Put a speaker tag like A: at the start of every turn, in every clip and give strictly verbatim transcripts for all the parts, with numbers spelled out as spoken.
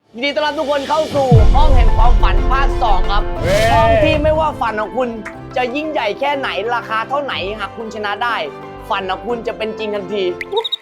A: ยินดีต้อนรับทุกคนเข้าสู่ห้องแห่งความฝันภาคสองครับห้องที่ไม่ว่าฝันของคุณจะยิ่งใหญ่แค่ไหนราคาเท่าไหนหากคุณชนะได้ฝันของคุณจะเป็นจริงทันที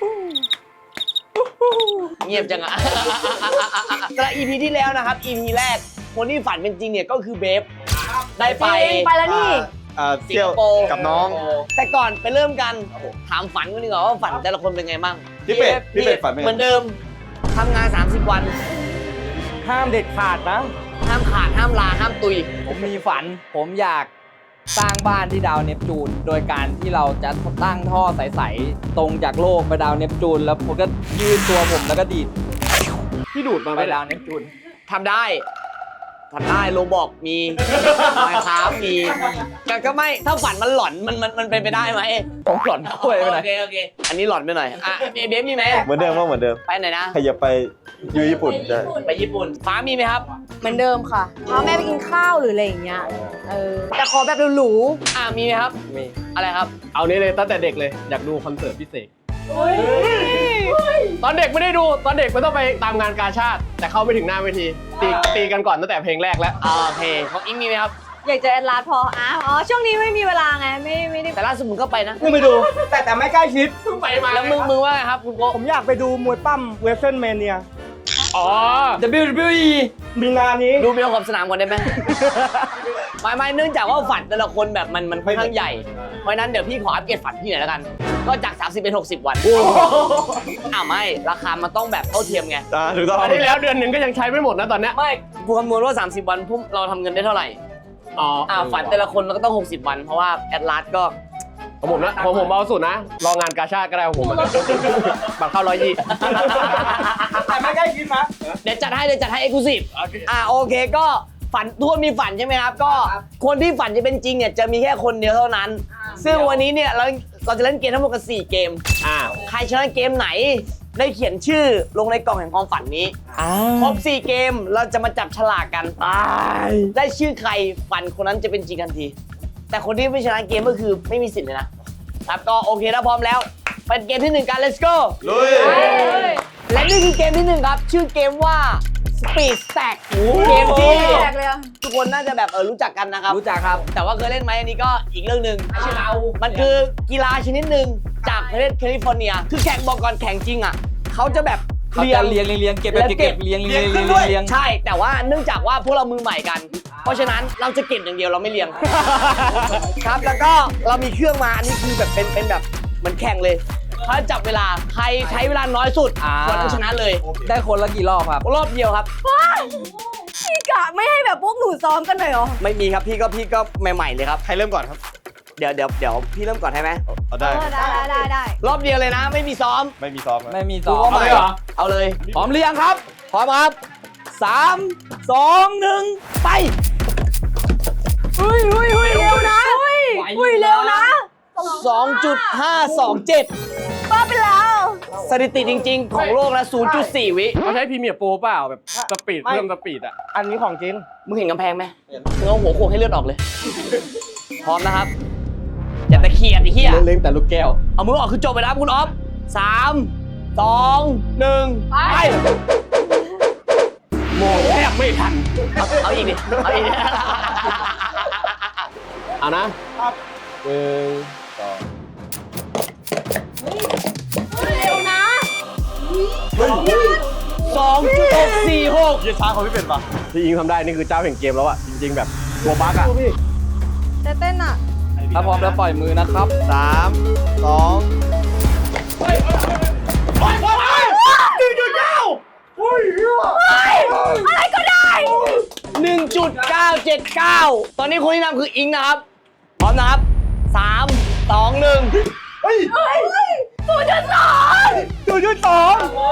A: เงียบจังอะสำหรับ อี พี ที่แล้วนะครับ อี พี แรกคนที่ฝันเป็นจริงเนี่ยก็คือเบฟได้ไป
B: ไปแล้วนี่
C: อ่า
A: สิ
C: เที่
A: ง
C: ยว
A: คโปร์
C: กับน้อง
A: แต่ก่อนไปเริ่มกันถามฝันกันดีกว่าว่าฝันแต่ละคนเป็นไงบ้าง
C: พี่เป็ดพี่เป็ดฝันเป็นไง
A: เหมือนเดิมทำงาน สามสิบ วัน
D: ห้ามเด็ดขาดนะ
A: ห้ามขาดห้ามลาห้ามตุย
D: ผมมีฝัน ผมอยากสร้างบ้านที่ดาวเนปจูน โดยการที่เราจะตั้งท่อใสๆตรงจากโลกไปดาวเนปจูน แล้วผมก็ยืดตัวผมแล้วก็ดีด
E: พี่ดูดมา
D: ไป
E: ไป
D: ดาวเนปจูน
A: ทำได้ทำได้โรบอกมีไมค์ครับมีแต่ก็ไม่ถ้าฝันมันหลอนมันมันมันเป็นไปได้ไหม
D: ผมหล่อนเข้าไปไปไหน
A: โอเคโอเคอันนี้หลอนไปหน่อยอ่ะเบฟมีไหม
C: เหมือนเดิมว่าเหมือนเดิม
A: ไปไหนนะ
C: ใครจะไปอยู่ญี่ปุ่นได้
A: ไปญี่ปุ่นฟ้ามีไหมครับ
B: เหมือนเดิมค่ะพาแม่ไปกินข้าวหรืออะไรอย่างเงี้ย เออ แต่ขอแบบหรู
A: อ่ามีไหมครับ
E: มี
A: อะไรครับ
E: เอานี้เลยตั้งแต่เด็กเลยอยากดูคอนเสิร์ตพิเศษตอนเด็กไม่ได้ดูตอนเด็กมันต้องไปตามงานกาชาติ แต่เข้าไม่ถึงหน้าเวทีตีตีกันก่อนตั้งแต่เพลงแรกแล้ว
A: อ่าโอเคของอิงมีไหมครับ
B: ๆ อยากจะแอดลาสพออ่ะอ๋อ ช่วงนี้ไม่มีเวลาไง ไม่ไม่ได้
A: แต่ล่าสุดมึงก็ไปนะ
D: เพิ่งไปดู แต่แต่ไม่ใกล้ชิด
E: เพิ่งไปมา
A: แล้วมึงมึงว่าไงครับคุณโก
D: ผมอยากไปดูมวยปั้มเวสเทิร์นแมเนีย
E: อ๋อ
D: ดับเบิลยู ดับเบิลยู อี มีนานี้
A: ดูเบลขอบสนามก่อนได้ไหม ไม่ไม่เนื่องจากว่าฝันแต่ละคนแบบมันมันค่อนข้างใหญ่ เพราะฉะนั้นเดี๋ยวพี่ขออัปเกรดฝันพี่หน่อยแล้วกัน ก็จาก สามสิบ เป็น หกสิบ วันอ้าวไม่ ราคามันต้องแบบเท่าเทียมไง
C: อ่าถูกต้อง
E: ตอนที่แล้วเดือนหนึ่งก็ยังใช้ไม่หมดนะตอนเนี้ย
A: ไม่กูคำนวณว่า สามสิบ วันพุ่มเราทำเงินได้เท่าไหร่
E: อ๋อ
A: อ่าฝันแต่ละคนมันก็ต้อง หกสิบ วัน เพราะว่าแอดลาสก็
E: ของผมนะของผมเอาสุดนะรองานกาชาติก็ได้ของผมอะบัตรเข้าร้อยยี่
D: แต่ไม่ใกล้ชิดนะ
A: เดี๋ยวจัดให้เดี๋ยวจัดให้เอ็กซ์คลูซีฟอ่าโอเคก็ฝันทุกคนมีฝันใช่ไหมครับ ก็คนที่ฝันจะเป็นจริงเนี่ยจะมีแค่คนเดียวเท่านั้น ซึ่งวันนี้เนี่ยเราเราจะเล่นเกมทั้งหมดกันสี่เกม
E: อ่า
A: ใครชนะเกมไหนได้เขียนชื่อลงในกล่องแห่งความฝันนี้ครบสี่เกมเราจะมาจับฉลากกันได้ชื่อใครฝันคนนั้นจะเป็นจริงทันที แต่คนที่ไม่ชนะเกมก็คือไม่มีสิทธิ์เลยนะครับก็โอเคถ้าพร้อมแล้วเป็นเกมที่หนึ่งกัน let's go
C: ลุย
A: และนี่คือเกมที่หนึ่งครับชื่อเกมว่า Speed Stack เกมที่
B: แรกเลยอะ
A: ทุกคนน่าจะแบบเออรู้จักกันนะครับ
D: รู้จักครับ
A: แต่ว่าเคยเล่นไหมอันนี้ก็อีกเรื่องหนึ่งชื่อเรา มันคือกีฬาชนิดหนึ่งจากประเทศแคลิฟอร์เนีย คือแข่งบอกก่อนแข่งจริงอ่ะเขาจะแบบ
D: เขาจะเรียงเรียงเรียงเก็บแบบเก็บเรียงเรียงเรียงเรียง
A: ใช่ แต่ว่าเนื่องจากว่าพวกเรามือใหม่กัน เพราะฉะนั้นเราจะเก็บอย่างเดียวเราไม่เรียง ครับแล้วก็เรามีเครื่องมาอันนี้คือแบบเป็นเป็นแบบเหมือนแข่งเลยเขาจะจับเวลาใครใช้เวลาน้อยสุด
D: อ่า
A: คนก็ชนะเลย
D: ได้คนละกี่รอบครับ
A: รอบเดียวครับ
B: พี่กะไม่ให้แบบพวกหนูซ้อมกันหน่อยเหรอ
A: ไม่มีครับพี่ก็พี่ก็ใหม่ๆเลยครับ
C: ใครเริ่มก่อนครับ
A: เดี๋ยวเดี๋ยวเดี๋ยวพี่เริ่มก่อนให้ไหม
C: เอา
B: เอ
C: ได้
B: อได้ได้ได้ได้
A: รอบเดียวเลยนะ ไม่มีซ้อม
C: ไม่มีซ้อมครับ
D: ไม่มีส
A: ดู
D: อง
A: ว่าใหม่
E: เอาเลยเหรอ
A: เอาเลย
D: พร้อมหรือยังครับ
A: พร้อมครับ
D: สามสองหนึ่งไป
B: เฮ้ยเฮ้ยเฮ้ยเร็วนะเฮ้ยเฮ้ยเร็วนะ
A: สองจุดห้าสองเจ็ด
B: บ้าไปแล้ว
A: สถิติจริง ๆ ของโลกนะ ศูนย์จุดสี่ วิ
E: เขาใช้พรีเมียร์โปรเปล่าแบบสปีด
D: ไม่
E: เพิ่มสปีดอ่ะ
D: อันนี้ของจริง
A: มึงเห็นกำแพงไหมมึงเอาหัวโขกให้เลือดออกเลย พร้อมนะครับ อย่าตะเคียนไอ้เหี้ย
E: เล่นแต่ลูกแก้ว
A: เอามือออกคือจบไปแล้วครับคุณออฟสามสองหนึ่งไป
E: โมงแทบไม่ทัน
A: เอาเอาอีกดิเอาอีกดิ
E: เอานะหนึ่งสอง
B: เร็วนะ
A: สองจุดหกสี่หก
C: ยืดช้าของพี่เป็ดปะ
E: ที่ยิงทำได้นี่คือเจ้าแห่งเกมแล้วอ่ะจริงๆแบบตัวบั๊กอ่ะ
B: จะเต้นอ่ะ
D: ถ้าพร้อมแล้วปล่อยมือนะครับ
C: สามสอง
B: อะไรก็ได้
A: หนึ่งจุดเก้าเจ็ดเก้า ตอนนี้คนที่นำคืออิงนะครับ พร้อมนะครับสามสองหนึ่ง
B: ศูนย์จุดสอง
A: ศูนย์จุดสอง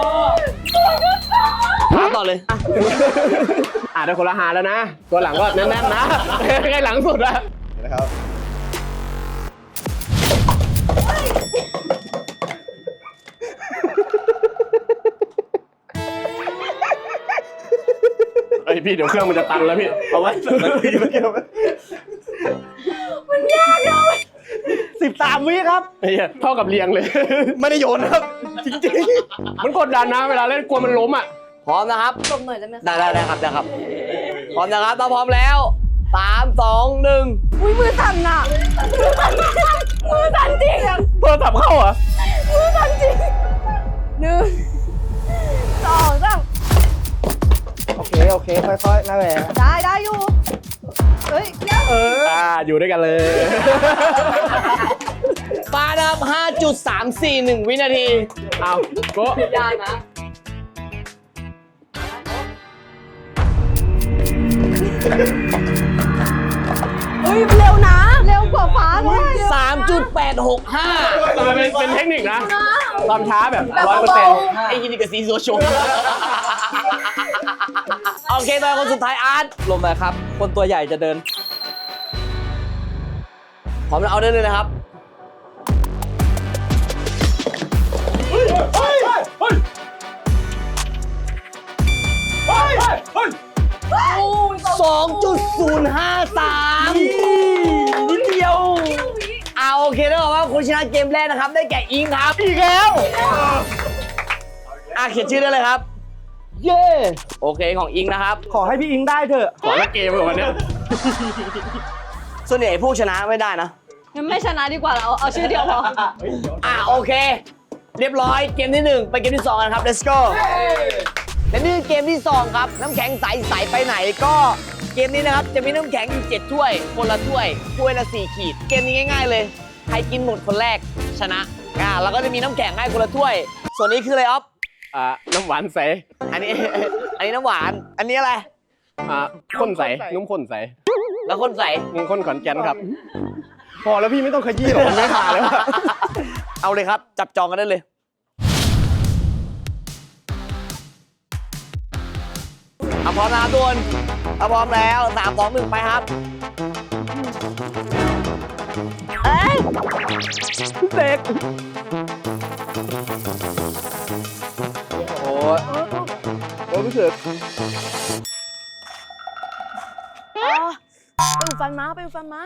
A: ถามต่อเลย
E: อ่ะได้คนละหาแล้วนะ ตัวหลังก็แน่นๆนะใกล้หลังสุดอะ
C: นี่นะครับ
E: เอ้ยพี่เดี๋ยวเครื่องมันจะตันแล้วพี่
C: เอาไว้มันเกี่ยวไหม
D: สิบสามวิครับ
E: ไอ้เหี้ยเท่ากับเรียงเลย
C: ไม่ได้โยนนะครับ จริง
E: มันกดดันนะเวลาเล่นกลัวมันล้มอ่ะ
A: พร้อมนะครับ
B: หลบหน่อยได้ไหม
A: ได้ได้ได้ครับได้ครับ พร้อมนะครับถ้าพร้อมแล้วสามสองหนึ่ง
B: อุ้ยมือสั่นอ่ะมือสั่นมือสั่นจริงอ่ะ
E: โทรศัพท์เข้าเหรอ
B: มือสั่นจริงหนึ่งสองสาม
F: โอเค โอเค ค่อยๆนะแหละ
B: ได้ได้อยู่เฮ้ยเดี๋ยว
E: เอออ่าอยู่ด้วยกันเลย
A: ปาดับ ห้าจุดสามสี่หนึ่ง วินาที
E: เอาโกะ
A: ยากนะ
B: เฮ้ยเร็วนะ เร็วกว่าฟ้าด้วย
A: สามจุดแปดหกห้า
E: เป็นเป็นเทคนิคนะความช้าแบบร้อยเปอร์เซ็นต์
A: ไอ้ยินดีกับซีโซโชว์โอเคตอนคนสุดท้ายอาร์ต
D: ลมหน่อยครับ คนตัวใหญ่จะเดิน
A: พร้อมแล้วเอาได้เลยนะครับ สองจุดศูนย์ห้าสามนิดเดียวเอาโอเคแล้วบอกว่าคนชนะเกมแรกนะครับ ได้แก่อิงครับอีกแล้วอ่ะเขียนชื่อได้เลยครับ เย้โอเคของอิงนะครับ
F: ขอให้พี่อิงได้เถอะ
E: ขอละเกมเหรอวันเนี้ย
A: ส่วนใหญ่ผู้ชนะไม่ได้นะ
B: งั้นไม่ชนะดีกว่าเราเอาชื่อเดียวพอ
A: อ่ะโอเค เรียบร้อยเกมที่หนึ่งไปเกมที่สองกันครับ let's go และนี่คือเกมที่สองครับน้ำแข็งใสใสไปไหนก็เกมนี้นะครับจะมีน้ำแข็งอยู่เจ็ดถ้วยคนละถ้วยถ้วยละสี่ขีด เกมนี้ง่ายๆเลยใครกินหมดคนแรกชนะอ่าแล้วก็จะมีน้ำแข็งให้คนละถ้วย ส่วนนี้คืออะไรอ๊อฟ
E: อ่าน้ำหวานใส
A: อันนี้ อันนี้น้ำหวาน อันนี้อะไร
E: อ่าข้นใสนุ่มข้นใส
A: แล้วคนใส
E: นุ่มข้นขอนแก่นครับ พอแล้วพี่ไม่ต้องขยี้หรอกมันไม่ขาดแล้วอะ
A: เอาเลยครับ จับจองกันได้เลยเอาพร้อมนะครับทุกคนเอาพร้อมแล้วสามสองหนึ่งไปครับ
B: เอ้ย
D: เด็กโอ้ยโอ้ยรู้สึก
B: อ๋อไปอุดฟันมาไปอุดฟันมา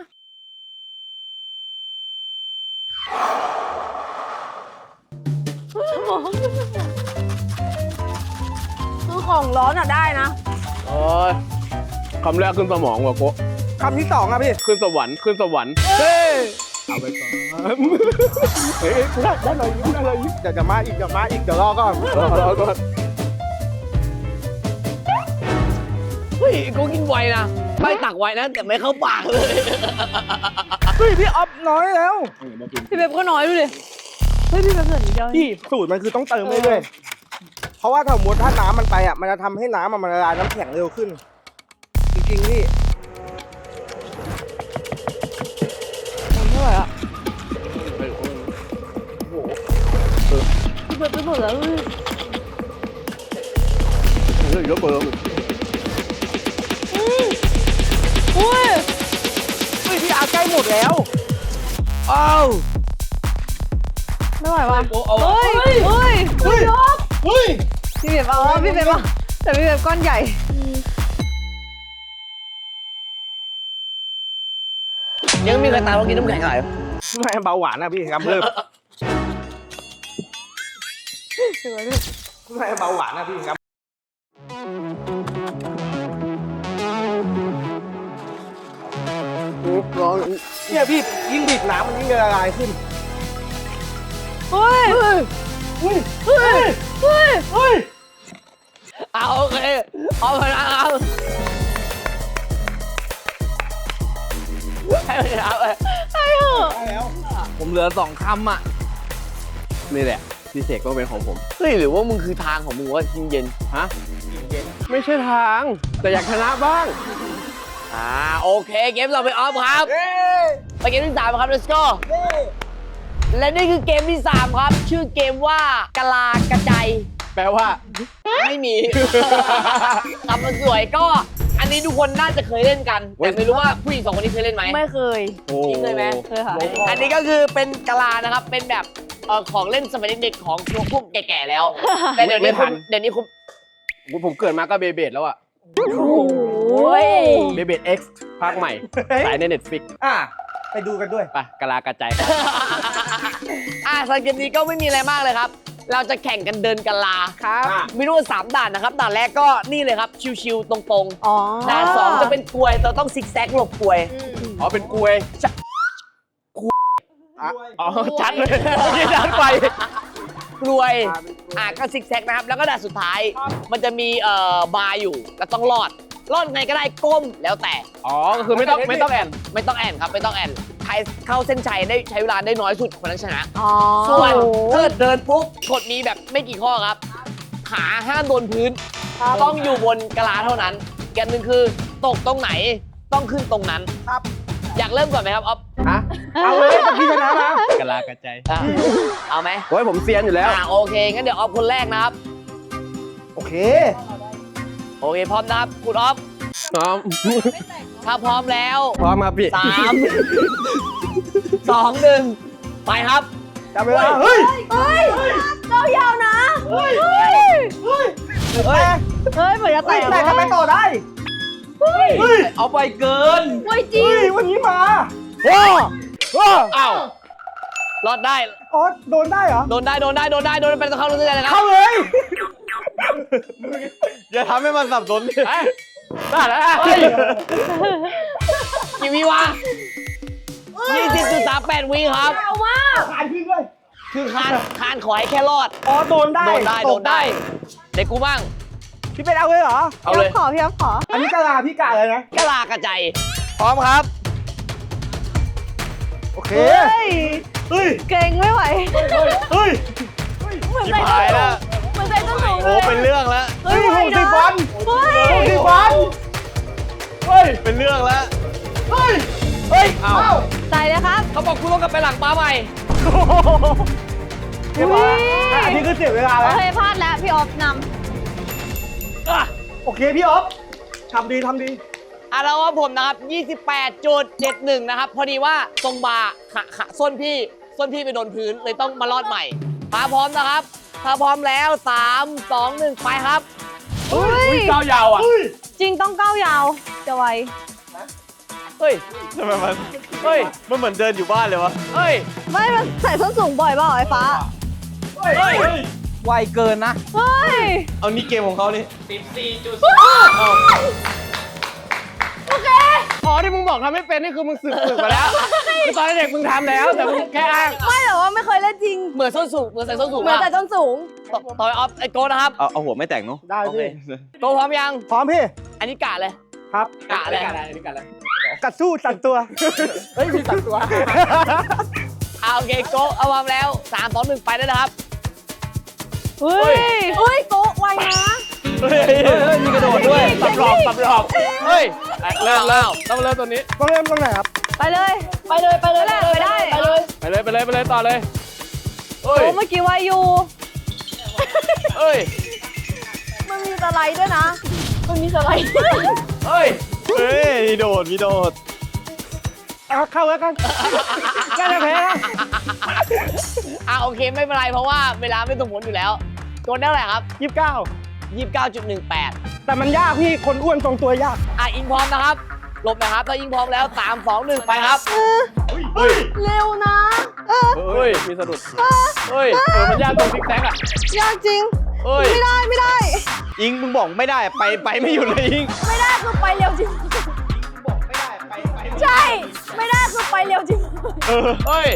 B: คือของร้อนอ่ะได้นะ
E: โอ้ยคำแรกขึ้นสมองว่ะโกะ
F: คำที่สองอะพี่
E: ขึ้นสวรรค์ขึ้นสวรรค์
F: เฮ้ย
E: เอาไปก่อน
F: เฮ้ยได้ได้เลยยิ้มได้เลยยิ้มเดี๋ยวจะมาอีกเดี๋ยวมาอีกเดี๋ยวรอก่อน
E: รอรอก่อน
A: เฮ้ยกูกินไวนะไม่ตักไวนะ แต่ไม่เข้าปากเลย
F: เฮ้ยพี่ออฟน้อยแล้ว
B: พี่เบบก็น้อยดูดิ เฮ้ยพี่เบบเหลือนิดเดียว
F: พี่สูตรมันคือต้องเติมเรื่อยๆเพราะว่าถ้าสมมติถ้าน้ำมันไปอ่ะมันจะทำให้น้ำมันละลายน้ำแข็งเร็วขึ้น จริงๆพี่
B: เท่าไหร่อ่ะพี่เบบไปหมดแล้วเว้ย
E: เรื่องเยอะเกิน
B: อุ้ย
F: เฮ้ยพี่อาใกล้หมดแล้ว
A: อ้าว
B: ไม่ไหวว่ะเฮ้ย เฮ้ยเฮ้ยยก
A: เฮ้ย
B: พี่เบบเอาพี่เบบเอาแต่พี่เบบก้อนใหญ่
A: ยังมีใครตามเรากินน้ำแข็งอะไร
F: ไม่เบาหวานนะพี่ครับเพิ่มไม่เบาหวานนะพี่ครับร้อนเนี่ยพี่ยิ่งบีบน้ำมันยิ่งละลายขึ้น
B: เฮ้ย เฮ้ย เฮ้ย เฮ้ย เฮ้ย
A: เอาโอเคเอาไปนะเอาให้มันเอาไป
B: ไอ้เหอะ
D: ผมเหลือสองคำอ่ะ
E: นี่แหละพี่เสกต้องเป็นของผม
A: เฮ้ยหรือว่ามึงคือทางของมึงว่ากินเย็น
E: ฮะไม่ใช่ทาง แต่อยากชนะบ้าง
A: อ่าโอเคเกมเราไปออฟครับไปเกมที่สามครับ let's go และนี่คือเกมที่สามครับ ชื่อเกมว่ากะลากระใจ
E: แปลว่า
A: ไม่มี คำมันสวยก็อันนี้ทุกคนน่าจะเคยเล่นกัน แต่ไม่รู้ว่าผู้หญิงสองคนนี้เคยเล่นไหม
B: ไม่เคย
E: โอ้
A: จริงเลยไหม
B: เคยค่ะ
A: อันนี้ก็คือเป็นกะลานะครับ เป็นแบบเอ่อของเล่นสมัยเด็กๆของพวกแก่ๆแล้ว แต่เดี๋ยวนี้คุณเดี๋ยวนี้คุณ
E: ผมเกิดมาก็เบเบดแล้วอะ
B: โอ้ย
E: เบเบด X ภาคใหม่สายใน Netflix
F: อ่ะไปดูกันด้วย
E: ไปกะลากระจายครับ
A: อ่าสำหรับเกมนี้ก็ไม่มีอะไรมากเลยครับเราจะแข่งกันเดินกะลา
B: ครับ
A: มีทั้งหมดสามด่านนะครับด่านแรกก็นี่เลยครับชิวๆตรง
B: อ๋อ
A: ๆด่านสองจะเป็นกลวยเราต้องซิกแซกหลบกลวย
E: อ๋อเป็นกลวยอ๋อชัดเลยยี่ชัดไป
A: กลวยอ่ะก็ซิกแซกนะครับแล้วก็ด่านสุดท้ายมันจะมีเอ่อบาร์อยู่แล้วต้องรอดรอดไงก็ได้ก้มแล้วแต่
E: อ๋อก็คือไม่ต้องไม่ต้องแอน
A: ไม่ต้องแอนครับไม่ต้องแอนใครเข้าเส้นชัยได้ใช้เวลาได้น้อยสุดคนนั้นชนะ
B: อ๋อ
A: ส่วนถ้าเกิดเดินปุ๊บกฎมีแบบไม่กี่ข้อครับ ขาห้ามโดนพื้น ต้องอยู่บนกะลาเท่านั้นอีกอันหนึ่งคือตกตรงไหนต้องขึ้นตรงนั้น
F: ครับ
A: อยากเริ่มก่อนไหมครับอ๊อฟ
E: ฮะ
F: เอาเลยเมื่อกี้ชนะมาก
E: ะลากระจาย
A: อ่ะเอาไหม
E: โอ้ยผมเซียนอยู่แล้ว
A: อ่าโอเคงั้นเดี๋ยวออฟคนแรกนะครับ
F: โอเค
A: โอเคพร้อมนะครับคุณออฟ
E: พร้อม
A: ถ้าพร้อมแล้ว
E: พร้อมครับพี่
A: สามสองหนึ่งไปครับ
F: จับเวลาเฮ้ย
B: เฮ้ยเก้ายาวนะ เฮ้ย เฮ้ย
F: เฮ้ย
A: เฮ้ย
B: เฮ้ยเหมือนจะ
F: แต่
B: แตก
F: แต่ทำไมต่อได้
B: เฮ้ย
F: เฮ้ย
D: เอาไปเกิน
B: เฮ้ยจริ
F: เฮ้
B: ง
F: ยวันนี้มา
A: โอ้
F: โอ้
A: อ้าวรอดได้
F: อ๋อโดนได้เหรอ
A: โดนได้โดนได้โดนได้โดนเป็นต้องเข้าเรื่องเลยนะครั
F: เข้า
A: บ
F: เลย
C: อย่าทำให้มันสับสนดิ
E: เอ้ยได้แล้ว
A: เฮ้ยกี่วิวะยี่สิบจุดสามแปดวิครับ
B: เอามาก
F: ผ่านขึ้นเลย
A: คือคานคานขอให้แค่รอด
F: อ๋อโดนได้
A: โดนได้
F: ต
A: โด
F: ก
A: นได้ เด็กกูบ้าง
F: พี่เป็นเอาเลยเหรอ
A: เอาเลย
B: พี่ขอพี่อ๊อฟขอ
F: อันนี้กะลาพี่กะเลยนะ
A: กะลากระใจพร้อมครับ
F: โอเค
B: เฮ้ย
F: เฮ้ย
B: เก่งไม่ไหว
F: เฮ้ย
B: เหมือน
C: ชิ
B: ใจ
C: บ
B: ต้น
C: หาย
B: สู
C: แล้ว
B: งเหมือนใจต้นสูงเล
C: โอ้
B: ย
C: เป็นเรื่องแล้ว
B: เฮ้ย
F: เฮ้ย
B: ไหว
F: หกสิบ
B: นะ
F: วัน
B: เฮ้ย
F: หกสิบวัน
C: เฮ้ย เป็นเรื่องแล้ว
F: เฮ้ย
A: เฮ้ย
F: เอ้า
B: ใจเลยครับ
A: เขาบอกคุณต้องกลับไปหลังป้าใหม่
F: เรียบร้อยอ่ะอันนี้คือเสียเวลา
B: โอ
F: แล้ว
B: เคพลาดแล้วพี่ออฟน
F: โอเคพี่อ๊อฟทำดีทำดี
A: อ่ะแล้วว่าผมนะครับ ยี่สิบแปดจุดเจ็ดหนึ่ง นะครับ พอดีว่าตรงบาร์ขาขาส้นพี่ ส้นพี่ไปโดนพื้น เลยต้องมารอดใหม่ถ้าพร้อมนะครับ ถ้าพร้อมแล้ว สาม สอง หนึ่ง ไปครับ
B: ำเฮ้ย
E: ก้าวยาวอ่ะ
B: จริงต้องก้าวยาว จะไว
A: เฮ้ย
C: ทำไมมัน
A: เฮ้ย
C: มันเหมือนเดินอยู่บ้านเลยวะ
A: เฮ้ย
B: ไม่มันใส่ส้นสูงบ่อยเปล่าไอ้ฟ้า
A: เฮ้ย
D: ไวเกินนะ
B: เฮ้ย
C: เอานี่เกมของเขานี่
B: โอเค
E: อ๋อที่มึงบอกทำไม่เป็นนี่คือมึงสึกสึกมาแล้วคือตอนเด็กมึงทำแล้วแต่มึงแค่อ้าง
B: ไม่แต่ว่าไม่เคยเล่นจริง
A: เหมือนส้นสูง เหมือนใส่ส้นสูง
B: เหมือน
A: มาก
B: แต่ส้นสูง
A: ต่อต่อยออฟไอโก้นะครับ
C: เอาเอาหัวไม่แต่งเนาะ
F: ได้
A: โอเค
F: พี่
A: โก้พร้อมยัง
F: พร้อมพี่
A: อันนี้กะเลย
F: ครับ
A: กะเลย
E: กันอะไรนี่กันอะไร
F: กัดสู้สั่นตัว
E: เฮ้ยมีสัตว์ตัว
A: เอาโอเคโก้เอาพร้อมแล้ว สาม สอง หนึ่ง ไปได้แล้วครับ
B: เฮ้ย เฮ้ยโกะไวนะ
C: เฮ้ย
D: เฮ้ยเฮ้ยมีกระโดดด้วย
E: สับหลอกสับหลอก
A: เฮ้ย
E: เริ่มเริ่มต้องเริ่มตัวนี้
F: ต้องเริ่มตรงไหนครับ
B: ไปเลย ไปเลย ไปเลยไปได้ ไปเลย
E: ไปเลยไปเลยไปเลยต่อเลย
A: เฮ้ย
B: โอ้เมื่อกี้ไวอยู่
A: เฮ้ย
B: มันมีสไลด์ด้วยนะ มันมีสไลด์
A: เฮ้ย
C: เฮ้ยมีโดดมีโดด
F: เอาเข้าแล้วกันน่าจะแพ้นะ
A: อ่ะโอเคไม่เป็นไรเพราะว่าเวลาไม่สมผลอยู่แล้วตัวได้เท่าไหร่ครับ
F: ยี่สิบเก้า
A: ยี่สิบเก้าจุดหนึ่งแปด
F: แต่มันยากพี่ คนอ้วนทรงตัวยาก
A: อ่ะอิงพร้อมนะครับหลบนะครับถ้าอิงพร้อมแล้ว สาม สอง หนึ่ง ไปครับ
C: เฮ้ย
B: เร็วนะ เออ
E: เฮ้ยมีสะดุด
A: เฮ้ย
E: เออมันยากตรงซิกแซกอ่ะ
B: ยากจริง
A: เฮ้ย
B: ไม่ได้ไม่ได้
C: อิงมึงบอกไม่ได้ไปไปไม่หยุดเลยอิง
B: ไม่ได้คือไปเร็วจริง ใช่ ไม่ได้คือไปเร็วจริง
C: เออ
A: เฮ้ย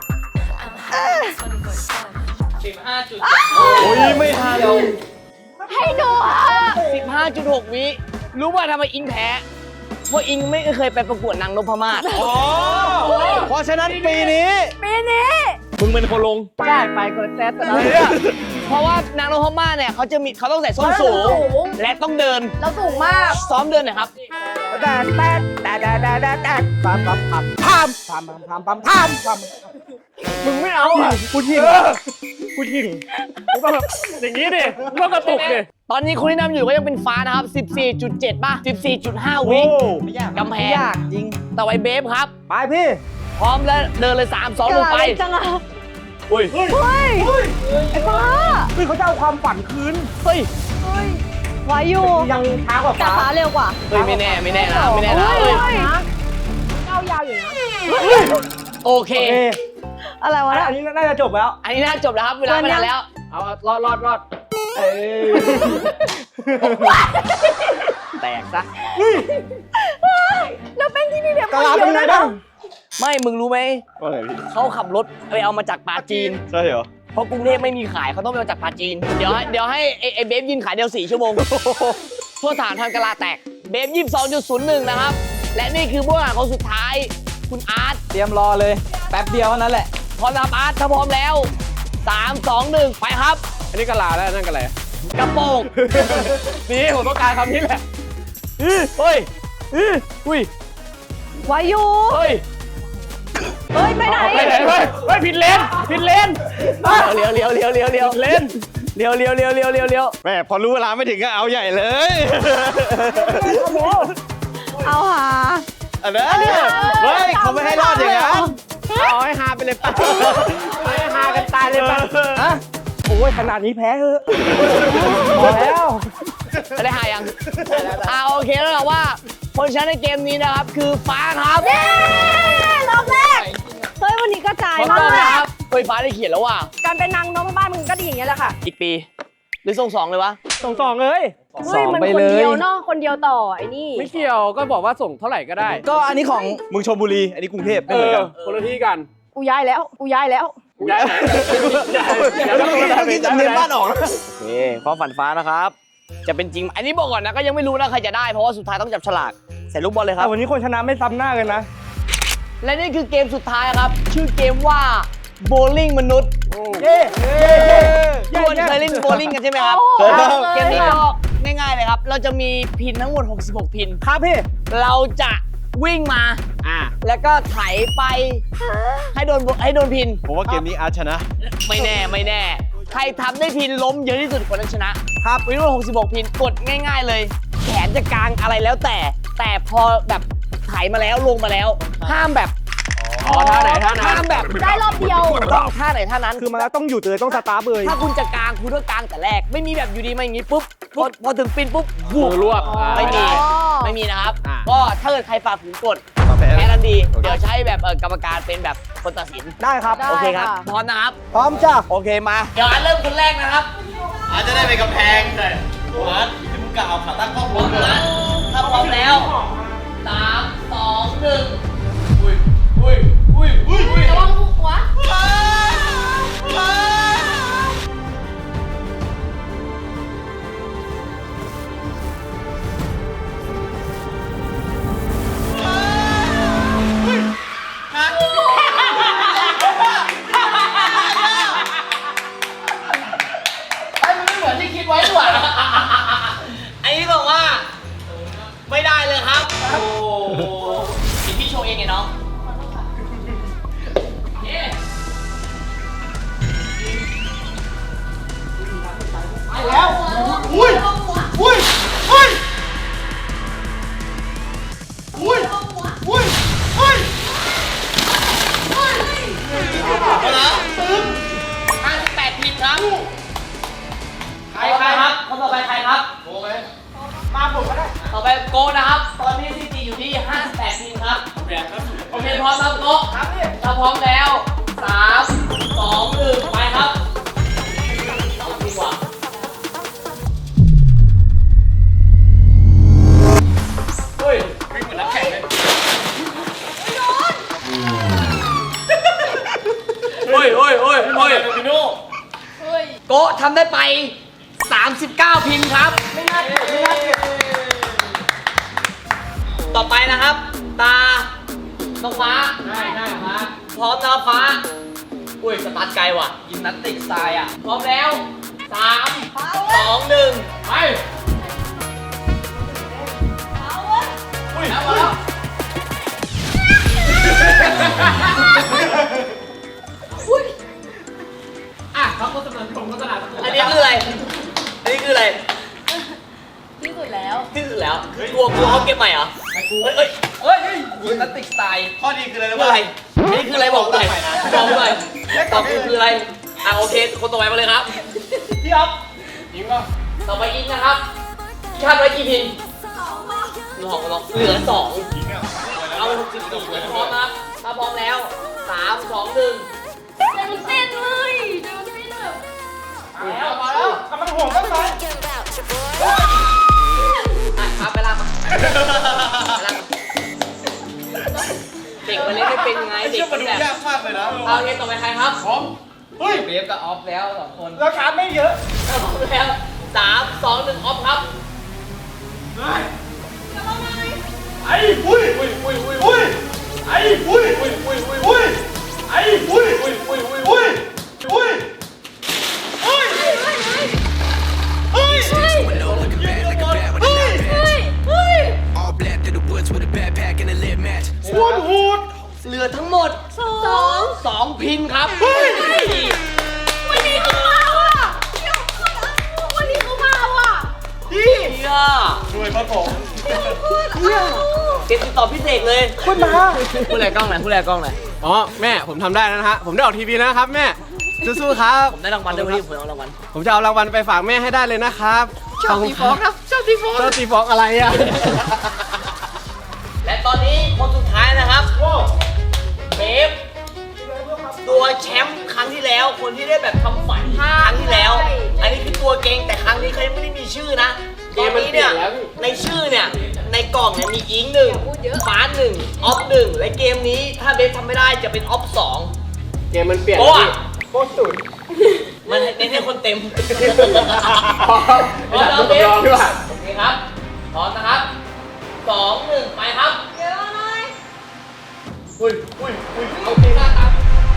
C: โอ้ยไม่ทัน
B: ให้ดูอ่ะ
A: สิบห้าจุดหก วิรู้ว่าทำไมอิงแพ้เพราะอิงไม่เคยไปประกวดนางนพมาศ
C: อ๋อเพราะฉะนั้นปีนี้
B: ปีนี้
C: มึงเป็นคนลง
A: ได้ไปกดแซดเพราะว่านางนพมาศเนี่ยเขาจะมีเขาต้องใส่ส้นสูง และต้องเดิน
B: เราสูงมาก
A: ซ้อมเดินหน่อยครับ
F: แต่แต่แต่แต่แต่แต่แต่ปั๊มปั๊มปั๊มปั๊มปั๊มปั๊มปั๊มปั๊มปั๊ม
E: มึงไม่เอาอ่ะ
F: กูยิงกูยิง
E: มึงต้องแบบอย่างนี้ดิมึงต้องกระตุกดิ
A: ตอนนี้คนที่นำอยู่ก็ยังเป็นฟ้านะครับ สิบสี่จุดเจ็ด ป่ะ สิบสี่จุดห้า วิ
F: โอ้
A: กำแพง
D: ยากจริง
A: ต่อไปเบฟครับ
F: ไปพี่
A: พร้อมแล้วเดินเลย สาม สอง หนึ่ง ไป
B: เกิดอะไรจังอ่ะ
C: อุ้ย
F: เฮ้ย
B: เฮ้ย ไอ้ฟ้า
F: เฮ้ยเขาจะเอาความฝันคืน
A: เฮ้ย
B: เฮ้ยไวอยู่
F: ยังช้ากว่า
B: แต่
F: ฟ้า
B: ฟ้าเร็วกว่า
A: เฮ้ย ไม่แน่ ไม่แน่นะ ไม่แน่นะ
B: เฮ้
A: เฮ้
B: ย
A: ย
B: ก้าวยาวอยู่นะ
A: โอเค
F: โอเค
B: อะไรวะ
F: อันนี้น่าจะจบแล้ว
A: อันนี้น่าจบแล้วครับ เวลาไม่นานแล้ว
E: เอารอดรอดรอดเอ้ย
A: แตกซะ
B: แล้วเป็นที่นี่เดี๋ยว
F: กะลาเป็นไงบ้าง
A: ไม่มึงรู้ไหม
C: ว่าไงพี่
A: เขาขับรถไปเอามาจากปาจีน
C: ใช่เหรอ
A: เพราะกรุงเทพไม่มีขายเขาต้องไปเอาจากปาจีน เดี๋ยวให้เดี๋ยวให้ไอ้ไอ้เบฟยินขายเดียวสี่ชั่วโมงทั่วฐานทันกะลาแตก เบฟยี่สิบสองจุดศูนย์หนึ่งนะครับ และนี่คือผู้แข่งขันคนสุดท้าย คุณอาร์ต
D: เตรียมรอเลย แป๊บเดียวเท่านั้นแหละ
A: พร้อมนะครับอาร์ตถ้าพร้อมแล้วสาม สอง หนึ่งไปครับ
E: อันนี้กะลาแล้วนั่นกะอะไร
A: กระโปรง
E: นี่ผมต้องการคำนี้แหละ
A: เฮ้ยอุ้ย
B: ไวายู
A: เฮ้ย
B: เฮ้ย ไปไหน
E: เอาไปไหนเฮ้ยเฮ้ยผิดเลนผิดเลน
A: เลี้ยวเลี้ยวเลี้ยวเลี้ยวเลี้ยว
E: เลน
A: เลี้ยวเลี้ยวเลี้ยวเลี้ยวเลี้ยวเลี้ยว
C: แม่พอรู้เวลาไม่ถึงก็เอาใหญ่เลย
B: เอาหา
C: อันนั้นเฮ้ยเขาไม่ให้รอดอย่างนั้น
E: เอาให้ฮาไปเลยป่ะเอาให้ฮากันตายเลยป่ะ
F: ฮะโอ้ยขนาดนี้แพ้เถอะพอแล้ว
A: จะได้หายังอ่าโอเคแล้วเราว่าคนชนะในเกมนี้นะครับคือฟ้าครับ
B: เย้รอบแรก เฮ้ย วันนี้กระจาย
A: ขอ
B: มา
A: ต้อน
B: ก
A: นะครับเฮ้ยฟ้าได้เขียนแล้วว่ะ
B: การเป็นนางนพบ้านมึงก็ดีอย่างเงี้ยแหละค่ะ
A: อีกปี หรือส่งสองเลยวะ
F: ส่งสองเลย
B: เฮ้ย มัน
D: ไป
B: คน
D: เลย
B: เดียวเนาะ คนเดียวต่อไอ้นี่
E: ไม่เกี่ยวก็บอกว่าส่งเท่าไหร่ก็ได้
D: ก็อันนี้ของ
C: มึงชลบุรี อันนี้กรุงเทพไม่
E: เอ
C: เหมือน
E: อ
C: กัน
E: คนละที่กัน
B: กูย้ายแล้ว กูย้ายแล้ว
E: ย้ายไหนย้ายย้ายย้ายย้าย
C: เมื่อกี้จำเนียนบ้านออกนะ
A: โอเคความฝันฟ้านะครับ จะเป็นจริง อันนี้บอกก่อนนะก็ยังไม่รู้นะใครจะได้เพราะว่าสุดท้ายต้องจับฉลากใส่ลูกบอลเลยครับ
F: วันนี้คนชนะไม่ซ้ำหน้ากันนะ
A: และนี่คือเกมสุดท้ายครับ ชื่อเกมว่าโบลิ่งมนุษย์
F: เย้
A: ทุกคนเคยเล่นโบลิ่งกันใช่ไหมครับ
B: โอ้โห
A: เกมนี้ก็ง่ายๆเลยครับ เราจะมีพินทั้งหมดหกสิบหกพิน
F: ครับพี่
A: เราจะวิ่งมา
E: อ่า
A: แล้วก็ไถไปให้โดนให้โดนพิน
C: ผมว่าเกมนี้อาร์ตชนะ
A: ไม่แน่ไม่แน่ ใครทำได้พินล้มเยอะที่สุดคนนั้นชนะครับวิ่งหกสิบหกพินกดง่ายๆเลย แขนจะกลางอะไรแล้วแต่ แต่พอแบบไถมาแล้วลงมาแล้ว ห้ามแบบ
E: อ๋อท่าไหนท่านั้น
A: ห้ามแบบ
B: ได้รอบเดียว
A: ต้องท่าไหนท่านั้น
F: คือมาแล้วต้องหยุดเลยต้องสตาร์ทเลย
A: ถ้าคุณจะกลางคุณก็กลางแต่แรก ไม่มีแบบอยู่ดีมาอย่างนี้ปุ๊บพอพอถึงปินปุ๊บวู
E: มื
A: บ
E: อรวบอ่า
A: ไม่มี
B: อ๋อ
A: ไม่มีนะครับ
E: อ่า
A: ก็ถ้าเกิดใครฝ่าฝืนกฎ
C: แพ้
A: แพ้ทันทีเดี๋ยวใช้แบบเอ่อกรรมการเป็นแบบคนตัดสิน
F: ได้ครับ
B: ได้
A: โอเคครับ
B: ค่ะ
A: พร้อมนะครับ
F: พร้อมจ้ะ
A: โอเคมา เดี๋ยวอันเริ่มคนแรกนะครับ
C: อาร์ตจะได้ไปกำแพงเลยอาร์ตมึงกะเอาขาตั้งกล้อง
A: พร้อมนะถ้าพร้อมแล้วสามสองหนึ่ง
C: อุ้ยอุ้ยอุ้ยอุ้ย
B: ระวังหัว
A: ไอ้มันไม่เหมือนที่คิดไว้ดีกว่าไอ้นี่บอกว่า ไม่ได้เลยครับ โอ้ยพี่โชว์เองไงน้องเย้ไปแล้ว
C: อุ้ยอุ้ยอุ้ยอุ้ยอุ้ยอุ้ยเอาละตึ้ง
A: ห้าสิบแปดพินครับ ใครใครครับ คนต่อไปใครครับ
C: โอ้ไหม
A: มาผมก็ได้ ต่อไปโกนะครับ ตอนนี้ซีจีอยู่ที่ห้าสิบแปดพินครับ โอเคพร้อมครับโกครับถ้าพร้อมแล้วสามสองหนึ่งไปครับเอาดีกว่าเฮ้ย
C: วิ่งเหมือนนักแข่งเลย
A: เฮ้ยเฮ้ยเฮ้ยเฮ้ย
C: พี่โน่
A: โกทำได้ไปสามสิบเก้าพินครับ ไม่น่าเกลียดไม่น่าเกลียดต่อไปนะครับ ตาน้องฟ้าได้ได้ฟ้าพร้อมนะฟ้า อุ้ยสตาร์ทไกลว่ะยิมนาสติกสไตล์อ่ะ พร้อมแล้วสามสองหนึ่งไปอุ้ยแล้วมาแล้วอ่ะเขาโฆษณาชมโฆษณาอันนี้คืออะไร อันนี้คืออะไร
B: ที่สุดแล้ว
A: ที่สุดแล้วกลัวกลัวเขาเก็บใหม่เหรอเฮ้ยเฮ้ยเฮ้ยเฮ้ยยิมนาสติกสไตล์
C: ข้อดีคืออะไร
A: คือ
C: รู้
A: อะไร
C: ป่ะ
A: อันนี้คืออะไรบอกหน่อยบอกหน่อยตอบคืออะไร อ่ะโอเค คนต่อไปมาเลยครับ พี่อ๊อฟ
C: ยิงป่ะ
A: ต่อไปอินนะครับคาดไว้กี่พินหลอกหลอกเหลือสอง
C: ยิงอ่ะ
A: เอาหกสิบสี่พินพร้อมนะครับถ้าพร้อมแล้วสามสองหนึ่ง
B: เต้นเต้นเลยเดี๋ยวเต้นแบบ
A: อุ้ย
F: หัวก็ซ้าย
A: ครับไปล่างมาเด็กมันเล่นไม่เป็นไงเด็ก
C: มั
A: มัน น
C: ดู
A: แบบ
C: ยากมากเลยนะ
A: เอาเกมต่อไปใครครับ
C: พร้อมเฮ้ย
D: เบฟกับออฟแล้วสองคน
F: ราคาไม่เยอะ
A: พร้อมแล้วสามสองหนึ่งออฟครับ
C: ไอ้อุ้ยอุ้ยอุ้ยอุ้ยอุ้ยไอ้อุ้ยอุ้ยอุ้ยอุ้ยอุ้ยไอ้อุ้ยอุ้ยอุ้ยอุ้ยอุ้ยอุ้ยอุ้ยเฮ้ย
G: All black through the woods with a backpack and a lit match.
C: โคตรโหด
A: เหลือทั้งหมด
B: สอง
A: สองพินครับ
B: วันนี้เขามาว่ะเดี๋ยวก่อนวันนี้เขามาว่ะ
A: พี่อ่ะ
C: รวยมาของ
A: เกมติดต่อพี่เสกเลย
F: คุณมา
A: พูดอะไรกล้องไหนพูดอะไรกล้องไหน
E: อ๋อแม่ผมทำได้แล้วนะฮะผมได้ออกทีวีแล้วนะครับแม่สู้ๆครับ
A: ผมได้รางวัลด้วยวันนี้ผมเอารางวัล
E: ผมจะเอารางวัลไปฝากแม่ให้ได้เลยนะครับ
A: ชอบตีฟองครับชอบตีฟอง
E: ชอบตีฟองอะไรอ่ะ
A: และตอนนี้คนสุดท้ายนะครับเบฟตัวแชมป์ครั้งที่แล้ว คนที่ได้แบบทำฝันครั้งที่แล้ว อันนี้คือตัวเก่งแต่ครั้งนี้เขายังไม่ได้มีชื่อนะตอนนี้เนี่ยในชื่อเนี่ยในกล่องเนี่ยมีอิงหนึ่งฟ้าหนึ่งออฟหนึ่งและเกมนี้ถ้าเบฟทำไม่ได้จะเป็นออฟสอง
E: เกมมันเปลี่ยน
A: โอ้อะ
F: โคตรสุด
A: มันเน้นให้คนเต็ม
E: พร้อม
A: พร้อมแล้วเบฟโอเคครับพร้อมนะครับสองหนึ่งไปครับ
B: เดี๋ยวหน่อย
C: อุ้ยอุ้ยอุ้ย
A: เอาเพลงหน้าตาม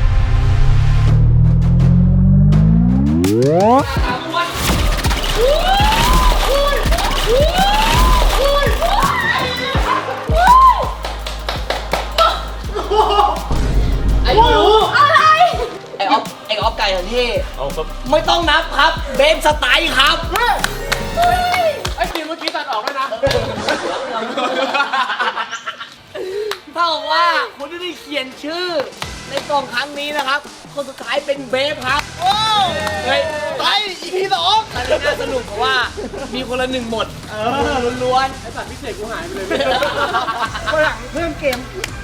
A: ตามวันไอ้หนู
B: อะไร
A: ไอ้ออฟไอ้ออฟไก่ทันที
C: เอาครับ
A: ไม่ต้องนับครับ เบฟสไตล์ครับ
E: ไอ้ทีมเมื่อกี้ตัดออกด้วยนะ
A: เท่ากับว่าคนที่ได้เขียนชื่อ ในกล่องครั้งนี้นะครับ คนสุดท้ายเป็นเบฟครับโอ้เฮ้ยไปอีพีสองอันนี้น่าสนุกเพราะว่ามีคนละหนึ่งหมด เออล้วน
E: ไอ้สัตว์พิเศษกูหายไปเลย
A: ๆ
F: วันหลังเพิ่มเกม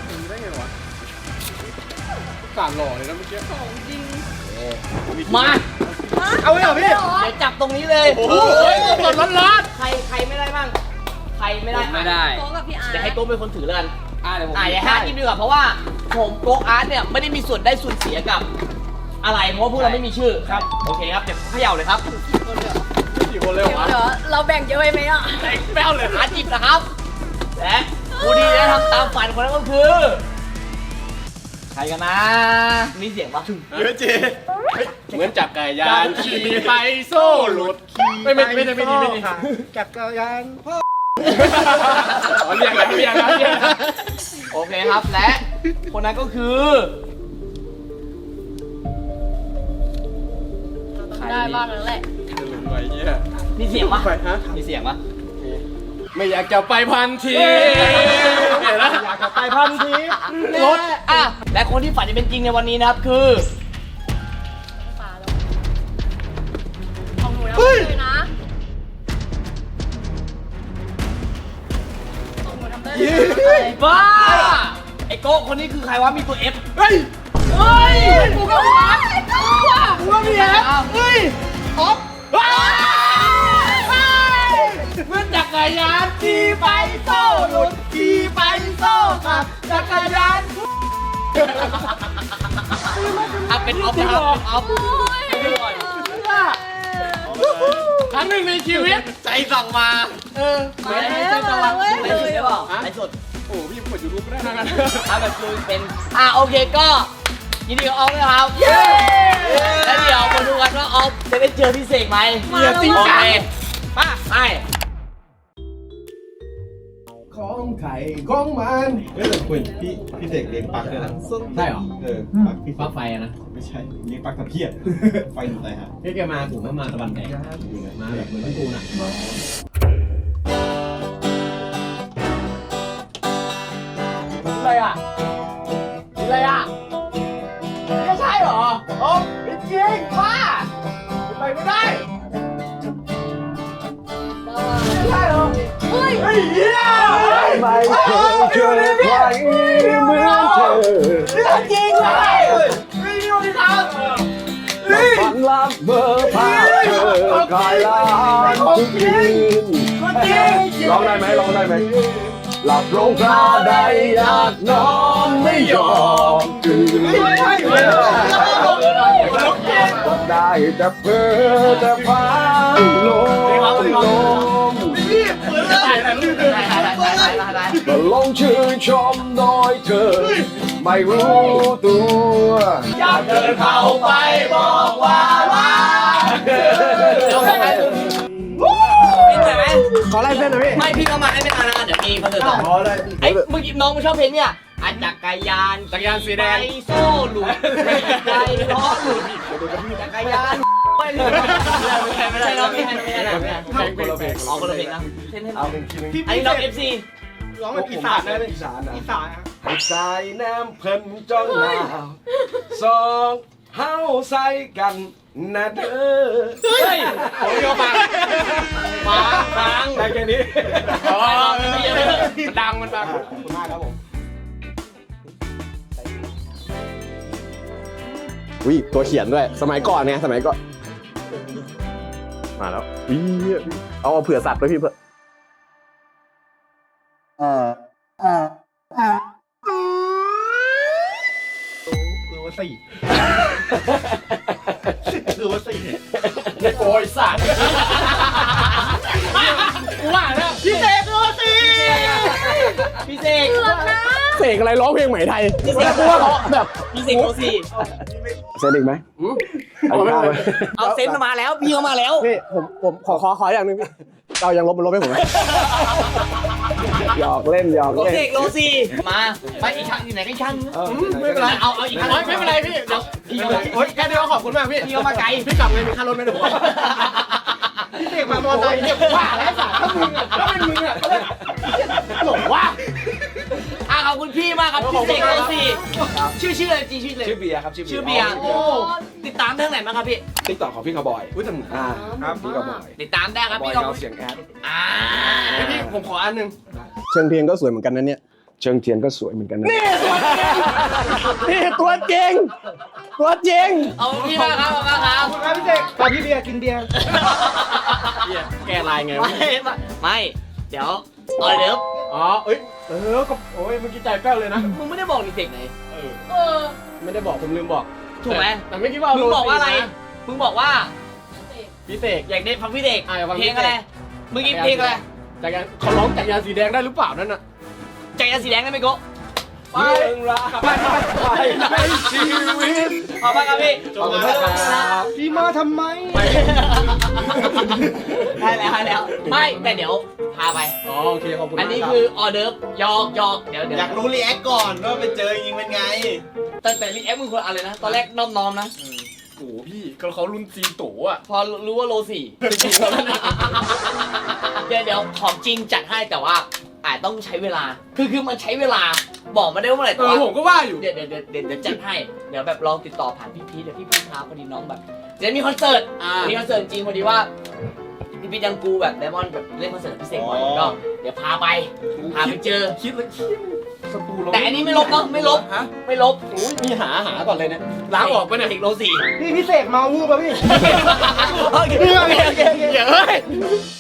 E: สารหล่อเลยนะเมื่อกี้
A: มา
F: เอาเลยเหรอพี่
A: เดี๋ยวจับตรงนี้เลย
C: โอ้โห
A: สดร้อนๆใครใครไม่ได้บ้าง ใครไม่ได้
D: ไม่ได้
B: โต๊ะกับพี่อาร์
A: เดี๋ยวให้โก้เป็นคนถือแล้วกัน
D: อ่าเดี๋ยวผม
A: อ่าอย่าให้อาร์ตกินดีกว่าเพราะว่าผมโกกอาร์ตเนี่ยไม่ได้มีส่วนได้ส่วนเสียกับอะไรเพราะว่าพวกเราไม่มีชื่อครับโอเคครับเดี๋ยวเขย่าเลยครับ
E: กี่คนเลย
B: เดี๋ยว
E: วะ
B: เดี๋ยวเราแบ่งเยอะไปไหมอ่ะ
A: แป้วเลยอาร์ตจิบนะครับและผู้ที่ได้ทำตามฝันคนนั้นก็คือ
D: ใครกันนะ
A: มีเสียงปะ
C: เยอะเจ
E: เหมือนจับไก่ยานขี่ไปโซ่หลุดไม่ไม่ไม่ไม่ไม่ไม่ไม่
F: จักรยานพ่อ
E: อ๋อเรียกแล้วเรียกแล้วเรียกแล้ว
A: โอเคครับและคนนั้นก็คือ
B: ได้บ้างแล้วแหละ
E: ไปเยี่ย
A: มีเสียงปะ
E: ไปฮะ
A: มีเสียงปะ
E: ไม่อยากจะไปพันทีเห็นแล้ว
F: อยากจะไปพันที
A: รถอ่ะและคนที่ฝันจะเป็นจริงในวันนี้นะครับคือ
B: ของหนูนะเลยนะของหนูทำได้เลย
A: บ้าไอ้โก้คนนี้คือใครวะมีตัว F
F: เฮ้ย
A: เฮ้ย
B: กูก็ว่าไอ้ตัว
F: กูว่ามีแอปเฮ้ยออฟ
A: เมื่อจักรยานขี่ไปโซ่หลุดขี่ไปโซ่ขับจักรยานอ่ะเป็นออฟนะครับเป็นออฟให้ดูก่อน
E: ครั้งหนึ่งในชีวิต
C: ใจสั่งมา
A: ไม่ไม่ใช่ตะวันไลฟ์สดได้เปล่าไลฟ์สด
E: โอ้พี่เปิดยูทูบไม่ได้นะ
A: อ่ะแบบคือเป็นอ่ะโอเคก็ยินดีกับออฟด้วยครับแล้วเดี๋ยวมาดูกันว่าออฟจะได้เจอพี่เสกไหม
F: อย่าจริง
A: โอ
F: จั
A: เค
F: ง
A: ป้าไป
H: ของไข่ของมันเฮ้ยคุณพี่พี่เสกเลี้ยงปลั๊กด้วยนะใช่เหรอ เออปลั๊กพี่ปลั๊กไฟนะ ไม่ใช่เลี้ยงปลั๊กตะเพียบ ไฟอยู่ไหนฮะพี่แกมาผมก็มาตะวันแดงมาแบบเหมือนพี่ตูนอ่ะ
A: อะไรอ่ะอะไรอ่ะไม่ใช่เหรอโอ้ไม่จริงป้าไปไม่ได้ไม่ใช่เหรอ
B: เฮ้ย
A: เฮ้ยเฮีย
F: ไม่เคยเจอใครเหมือนเธอ
A: เรื่องจริงเลยเฮ้ยนี่วันที่ทำเฮ้ย
F: ฝันลับเบอร์ภาพเธอกลายไร้
C: ทุกคืนร้องได้ไหมร้องได้ไหมหลับลงคราใดอยากนอนไม่ยอมตื่นก็ได้แต่เพ้อแต่พังลมลมก็ลงชื่นชมโดยเธอไม่รู้ตัวอยากเดินเข้าไปบอกว่ารักเธอ
A: พี่เหนื่อยไหม
F: ขอไล่เส้นหน่อยพี่
A: ไม่พี่เข้ามาให้ไม่นานนะเดี๋ยวมีคอนเสิร์ตต่อ
F: ขอเลย
A: ไอ้เมื่อกี้น้องมึงชอบเพลงเนี่ยอันจักรยาน
E: จักรยานสีแดง
A: ไฟโซ่หลุดไฟล้อหลุดจักรยานไม่หลุดไม่ใช่ไม่ใช่น้องไม่ใช่ไม่ใช่ไม่ใช่
E: เพลงคนละเพลง
A: อ๋อคนละเพลงนะเส้นให้น้
C: เอา
A: อง
C: เพลงที่นึง
A: อันนี้น้องเอฟซี
F: ร้องเป็นอีสานนะ
C: อีสานนะ
F: อีสานนะ
C: ให้สายน้ำเพิ่นจ้องหน้าสองเฮาใส่กันนะเด้อ
E: เฮ้ยผมโยฟังฟังฟัง
C: ได้แค่นี้
E: อ๋อมันดังมันดัง
F: ขอบคุณมากครับผม
C: วิตัวเขียนด้วย สมัยก่อนไงสมัยก่อน มาแล้ววิเอาเผื่อสัตว์ด้วยพี่เผื่อ
F: คือว่าสี่คือว่าสี่
E: โอ้ยสัตว์กูว่าแล้วพี่เสกตัวสิ
A: พี่เสก
C: เสกอะไรร้องเพลงไหมไทย
A: พี่เสก
C: กูว่าร้องแบบ
A: พี่เสกโรซี่
C: เสกอีกไหมเอาอีกไหม
A: เอาเซนต์มาแล้วพี่เขามาแล้ว
C: พี่ผมผมขอขอขออย่างหนึงพี่เรายังลบมันลบให้ผมไหมหยอกเล่นหยอก
A: โร
C: เล่น
A: เสกโรซี่มาไปอีกครั้งอยู่ไหนก็อีกครั้ง
E: ไม่เป็นไร
A: เอาเอาอีกครั้ง
E: ไม่เป็นไรพี่เดี๋ยว
A: พี่เขามา
E: โอ๊ยแค่นี้ก็ขอบคุณมากพี่
A: พี่เขามาไกล
E: พี่กลับเลยมีค่ารถไหมเดี๋ยวผมพี่เสกมามอไซค์เนี่ยว่าแล้วสัตว์ถ้ามึงอ่ะถ้าเป็นมึงอ่ะหลงว่า
A: อ่ะขอบคุณพี่มากครับพี่เสกโรซี่ชื่อชื่ออะไรจริงชื่ออะไร
C: ชื่อเบียร์ครับชื่อ
A: ชื่อเบียร์โอ้ติดตามทางไหนบ้างครับพี่
C: ติ๊กต็อกของพี่กระบอยอุ้ยแต่อ่าครับพี่กระบอย
A: ติดตามได้ครับ
C: บอย
A: พี่ขอบ
C: เงา
A: คุณ
C: เสียงแอด
A: อ่า
E: พี่ผมขออันหนึ่ง
C: เชิงเทียนก็สวยเหมือนกันนะเนี่ยเชิงเทียนก็สวยเหมือนกันนะนี่ตัวจริงตัวจริง
A: เอาพี่มากครับขอบคุณครับ
F: ครับพี่เสกตอนพี่เบียร์กินเบียร์
E: แกลายไงวะ
A: ไม่ไม่ไม่เดี๋ยวเออเดี๋ยว
E: อ๋อเอ้ยเออก็โอ้ยเมื่อกี้ใจแป้วเลยนะ
A: มึงไม่ได้บอกนี่เสกไหน
B: เออ
E: ไม่ได้บอกผมลืมบอก
A: ถูกไหม
E: แต่ไม่คิดว่า
A: มึงบอกว่าอะไรมึงบอกว่า
E: พี่เสก
A: อยากได้ฟังพี่เด็ก
E: อ่ะอยากฟัง
A: เพ
E: พี่
A: ล
E: เสก
A: งอะไรมึงกินเพลงอะไร
E: จักรยานเขาร้องจักรยานสีแดงได้หรือเปล่านั่นน่ะ
A: ใจยานสีแดงได้ไหมโกะ
C: เรื่องราวในชีวิต
A: ขอบคุณครับพี่
E: ขอบคุณมากครับ
F: พี่มาทำไม
A: ได้แล้วได้แล้วไม่แต่เดี๋ยวพาไป
E: อ๋อโอเคขอบคุณ
A: อั
E: มาน ก
A: นี้
E: รับ
A: คือออเดิร์ฟยอกยอกเดี๋ยวเดี๋ยว
H: อยากรู้รีแอคก่อนว่าไปเจอจริงเป็นไง
A: แต่แต่รีแอคมึงคนอะไรนะ ตอนแรกน้อมน้อมๆนะ
E: โอ้โหพี่เขาเขารุ่นซีโตอ่ะ
A: พอรู้ว่าโลสี่เดี๋ยวเดี๋ยวของจริงจัดให้แต่ว่าอาจต้องใช้เวลา คือคือมันใช้เวลาบอกมาได้ว่าเมื่อไหร่
E: เอ
A: แต่
E: อ
A: ว่า
E: ผมก็ว่าอยู่
A: เดี๋ยวเดี๋ยวเดี๋ยวเดี๋ยวเดี๋ยวจัดให้ เดี๋ยวแบบลองติดต่อผ่านพี่พีทเดี๋ยวพี่พีทพาพอดีน้องแบบเดี๋ยวมีคอนเสิร์ต
E: อ่า
A: มีคอนเสิร์ตจริงพอดีว่าพี่พีทยังกูแบบไดมอนด์แบบเล่นคอนเสิร์ตพิเศษบ่อย
H: อ๋อ
A: ก็เดี๋ยวพาไปพาไปเจอ
E: คิดเลยคิดสตูเรา
A: แต่อันนี้ไม่ลบเนาะไม่ลบ
E: ฮะ
A: ไม่ลบ
E: โอ้ยมีหาหาก่อนเลยเนี่ยล้างออกไปะเนี่ย
A: อีกโลสี่
F: พี่พี่เสกเมาวูบป่ะพี่
A: โอเคโอเคโอเค
E: เดี๋ยวเฮ้ย